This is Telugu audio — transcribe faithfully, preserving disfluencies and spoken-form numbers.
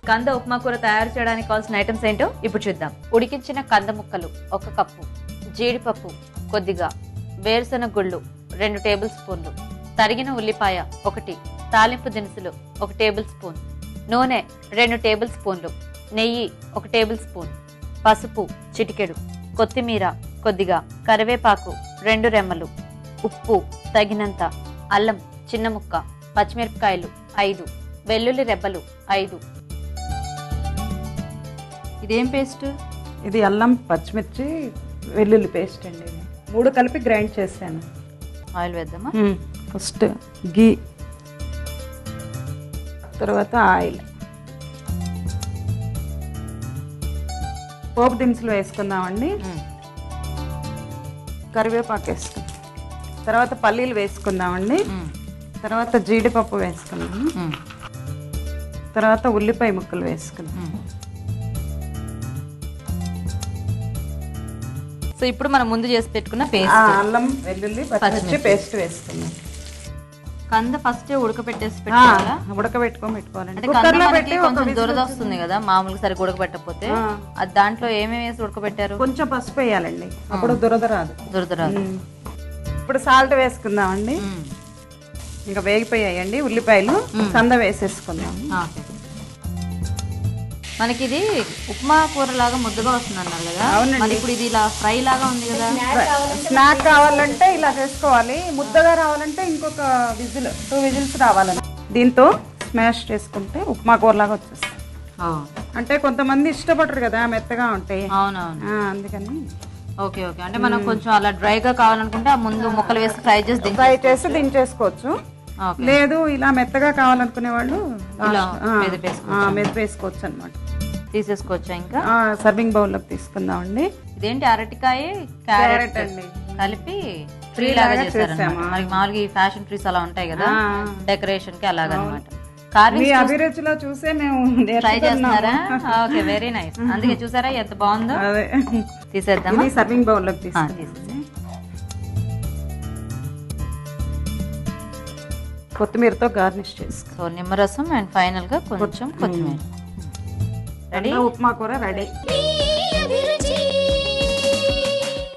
కంద ఉప్మా కూర తయారు చేయడానికి కావాల్సిన ఐటమ్స్ ఏంటో ఇప్పుడు చూద్దాం. ఉడికించిన కంద ముక్కలు ఒక కప్పు, జీడిపప్పు కొద్దిగా, వేరుశనగ గుళ్ళు రెండు టేబుల్ స్పూన్లు, తరిగిన ఉల్లిపాయ ఒకటి, తాలింపు దినుసులు ఒక టేబుల్ స్పూన్, నూనె రెండు టేబుల్ స్పూన్లు, నెయ్యి ఒక టేబుల్ స్పూన్, పసుపు చిటికెడు, కొత్తిమీర కొద్దిగా, కరివేపాకు రెండు రెమ్మలు, ఉప్పు తగినంత, అల్లం చిన్న ముక్క, పచ్చిమిరపకాయలు ఐదు, వెల్లుల్లి రెబ్బలు ఐదు. ఇదేం పేస్ట్? ఇది అల్లం పచ్చిమిర్చి వెల్లుల్లి పేస్ట్ అండి. మూడు కలిపి గ్రైండ్ చేశాను. ఆయిల్ వేద్దామా? ఫస్ట్ గీ, తర్వాత ఆయిల్, పోపు దినుసులు వేసుకుందామండి. కరివేపాకు వేసుకుందాం, తర్వాత పల్లీలు వేసుకుందామండి, తర్వాత జీడిపప్పు వేసుకుందాం, తర్వాత ఉల్లిపాయ ముక్కలు వేసుకుందాం. సో ఇప్పుడు మనం ముందు చేసి పెట్టుకున్న పేస్ట్, అల్లం వెల్లుల్లి పచ్చిమిర్చి పేస్ట్ వేసుకుందాం. కంద ఫస్ట్ ఉడకబెట్టేసి పెట్టుకోవాలా? ఉడకబెట్టుకొని పెట్టుకోవాలండి. కుక్కర్లో పెట్టి కొంచెం దురద వస్తుంది కదా మామూలుగా, సరిగ్గా ఉడకబెట్టకపోతే. అది దాంట్లో ఏమేమి వేసి ఉడకబెట్టారు? కొంచెం పసుపు వేయాలండి, అప్పుడు దురద రాదు. దురద రాదు. ఇప్పుడు సాల్ట్ వేసుకుందామండి. ఇంకా వేగిపోయాయండి ఉల్లిపాయలు, కంద వేసేసుకుందాం. మనకి ఇది ఉప్మా కూర లాగా ముద్దగా వస్తుంది అన్నారు కదా. అవునండి. ఇప్పుడు ఇది ఇలా ఫ్రై లాగా ఉంది కదా. స్నాక్ కావాలంటే ఇలా చేసుకోవాలి, ముద్దగా రావాలంటే ఇంకొక విజిల్ టూ విజిల్స్ రావాలని. దీంతో స్మాష్ చేసుకుంటే ఉప్మా కూర లాగా వచ్చేస్తుంది. అంటే కొంతమంది ఇష్టపడరు కదా మెత్తగా ఉంటాయి. అవునవును, అందుకని. Okay okay. అంటే మనం కొంచెం అలా డ్రైగా కావాలనుకుంటే ఆ ముందు ముక్కలు వేసి ఫ్రై చేసి ఫ్రై చేసి దించేసుకోవచ్చు. లేదు ఇలా మెత్తగా కావాలనుకునే వాళ్ళు మెదపు వేసుకోవచ్చు అనమాట. తీసేసుకోవచ్చా? ఇంకా సర్వింగ్ బౌల్లోకి తీసుకుందామండి. ఇదేంటి? అరటికాయ క్యారెట్ అండి కలిపి ఫ్రీ లాగా చేశారన్నమాట. మనకి మామూలుగా ఈ ఫ్యాషన్ ట్రీస్ అలా ఉంటాయి కదా డెకరేషన్ కి, అలాగనమాట. అభిరుచిలో చూసే మేము ట్రై చేస్తున్నారా? Okay, very nice. అందుకే చూసారా ఎంత బాగుందో. తీసేద్దాం. సర్వింగ్ బౌల్లోకి తీసుకుందాం. కొత్తిమీరతో గార్నిష్ చేసుకో. సో నిమ్మరసం అండ్ ఫైనల్ గా కొంచెం కొత్తిమీర. రెడీ, ఉప్మా కూర రెడీ.